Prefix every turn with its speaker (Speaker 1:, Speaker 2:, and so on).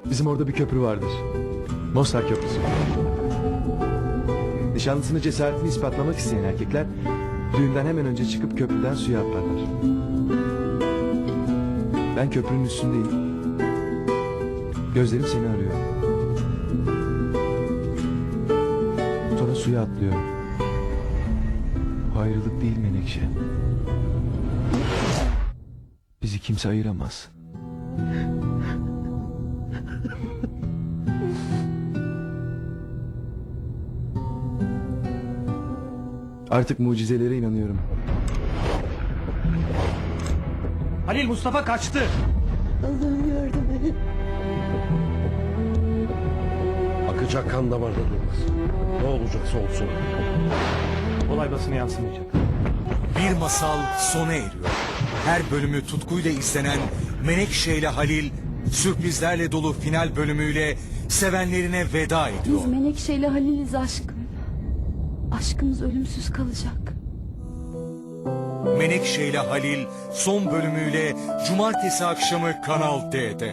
Speaker 1: Bizim orada bir köprü vardır. Mostar Köprüsü. Nişanlısını cesaretini ispatlamak isteyen erkekler düğünden hemen önce çıkıp köprüden suya atlarlar. Ben köprünün üstündeyim. Gözlerim seni arıyor. Sonra suya atlıyorum. Bu ayrılık değil Menekşe. Bizi kimse ayıramaz. Artık mucizelere inanıyorum.
Speaker 2: Halil, Mustafa kaçtı.
Speaker 3: Allah'ım yardım et.
Speaker 4: Akacak kan damarda durmaz. Ne olacaksa olsun.
Speaker 2: Olay basına yansımayacak.
Speaker 5: Bir masal sona eriyor. Her bölümü tutkuyla izlenen Menekşe ile Halil sürprizlerle dolu final bölümüyle sevenlerine veda ediyor.
Speaker 3: Biz Menekşe ile Halil'iz aşkım. Aşkımız ölümsüz kalacak.
Speaker 5: Menekşe ile Halil son bölümüyle cumartesi akşamı Kanal D'de.